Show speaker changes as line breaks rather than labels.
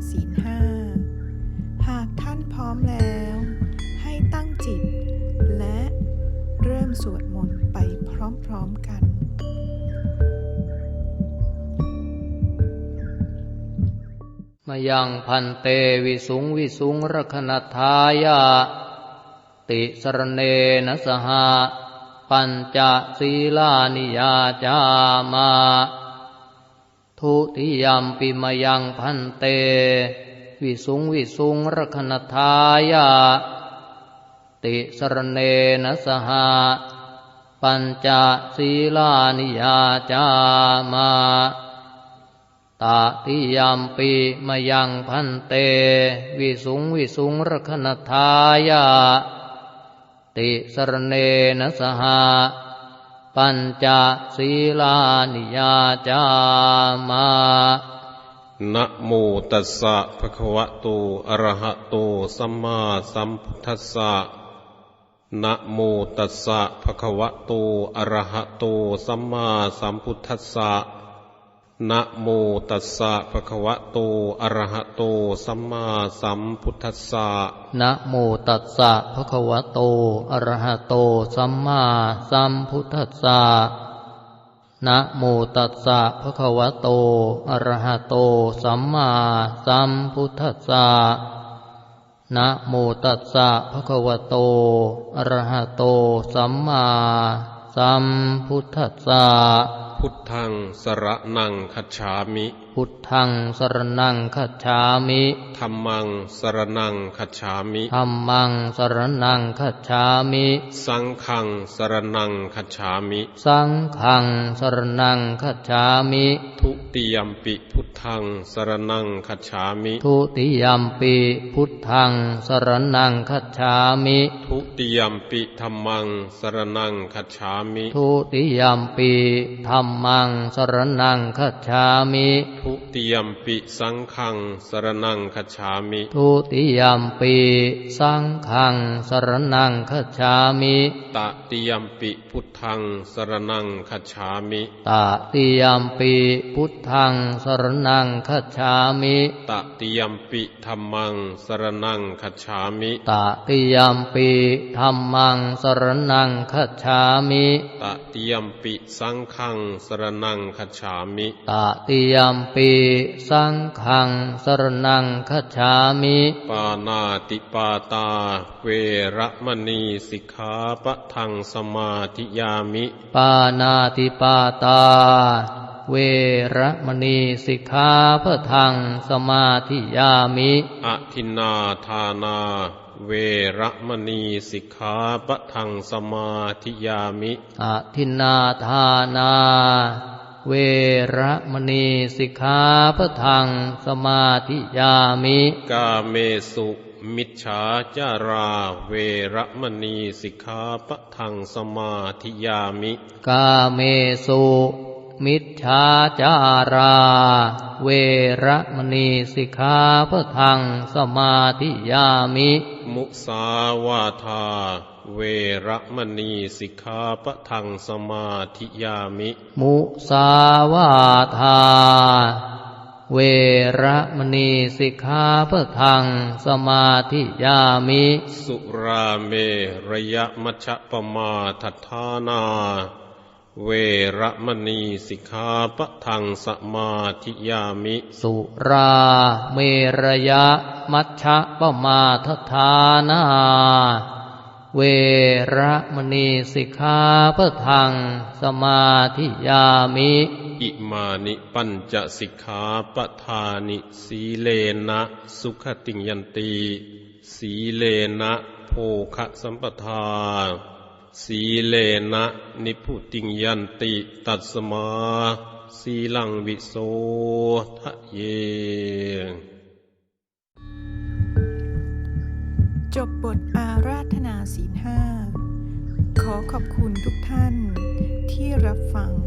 ศีลห้าหากท่านพร้อมแล้วให้ตั้งจิตและเริ่มสวดมนต์ไปพร้อมๆกัน
มยังพันเตวิสุงวิสุงรคณทายาติสรเนนะสหปัญจศีลานิยาจามาทุติยัมปิมยังพันเตวิสุงวิสุงรคณทายาติสรเนนะสหปัญจศีลานิยาจามาตติยัมปิมยังพันเตวิสุงวิสุงรคณทายาติสรเนนะสหปัญจศีลานิยาจามา
นะโมตัสสะภะคะวะโตอะระหะโตสัมมาสัมพุทธัสสะนะโมตัสสะภะคะวะโตอะระหะโตสัมมาสัมพุทธัสสะนะโมตัสสะภะคะวะโตอะระหะโตสัมมาสัมพุทธัสสะ
นะโมตัสสะภะคะวะโตอะระหะโตสัมมาสัมพุทธัสสะนะโมตัสสะภะคะวะโตอะระหะโตสัมมาสัมพุทธัสสะนะโมตัสสะภะคะวะโตอะระหะโตสัมมาสัมพุทธัสสะ
พุทธังสรณังคัจฉามิ
พุทธังสรณังคัจฉามิ
ธัมมังสรณังคัจฉามิ
ธัมมังสรณังคัจฉามิ
สังฆังสรณังคัจฉามิ
สังฆังสรณังคัจฉามิ
ทุติยัมปิพุทธังสรณังคัจฉามิ
ทุติยัมปิพุทธังสรณังคัจฉามิ
ทุติยัมปิธัมมังสรณังคัจฉามิ
ทุติยัมปิธัมมังสรณังคัจฉามิ
ทุติยัมปิสังฆังสรณังคัจฉามิ
ทุติยัมปิสังฆังสรณังคัจฉามิ
ตติยัมปิพุทธังสรณังคัจฉามิ
ตติยัมปิพุทธังสรณังคัจฉามิ
ตติยัมปิธัมมังสรณังคัจฉามิ
ตติยัมปิธัมมังสรณังคัจฉามิ
ตติยัมปิสังฆังสรณังคัจฉามิ
ตติยัมปิสังฆังสรณังคัจฉามิ
ปานาติปาตาเวระมณีสิกขาปะทังสมาธิยามิ
ปานาติปาตาเวระมณีสิกขาปะทังสมาธิยามิ
อทินนาทานาเวระมณีสิกขาปะทังสมาธิยามิ
อทินนาทานาเวระมณีสิกขาปะทังสมาธิยามิ
กาเมสุมิจฉาจาราเวระมณีสิกขาปะทังสมาธิยามิ
กาเมสุมิจฉาจาราเวระมณีสิกขาปะทังสมาธิยามิ
มุสาวาทาเวระมณีสิกขาปะทังสมาธิยามิ
มุสาวาทาเวระมณีสิกขาปะทังสมาธิยามิ
สุราเมระยะมัชฌปมาทัฏฐานาเวระมณีสิกขาปะทังสมาธิยามิ
สุราเมรยะมัชฌปมาทัฏฐานาเวระมณีสิกขาปะทังสมาธิยามิ
อิมานิปัญจสิกขาปทานิสีเลนะสุขติงยันติสีเลนะโภคสัมปทาสีเลนะนิพุติงยันติตัสมาสีลังวิโสทะเย
จบบทอาราธนาศีลห้าขอขอบคุณทุกท่านที่รับฟัง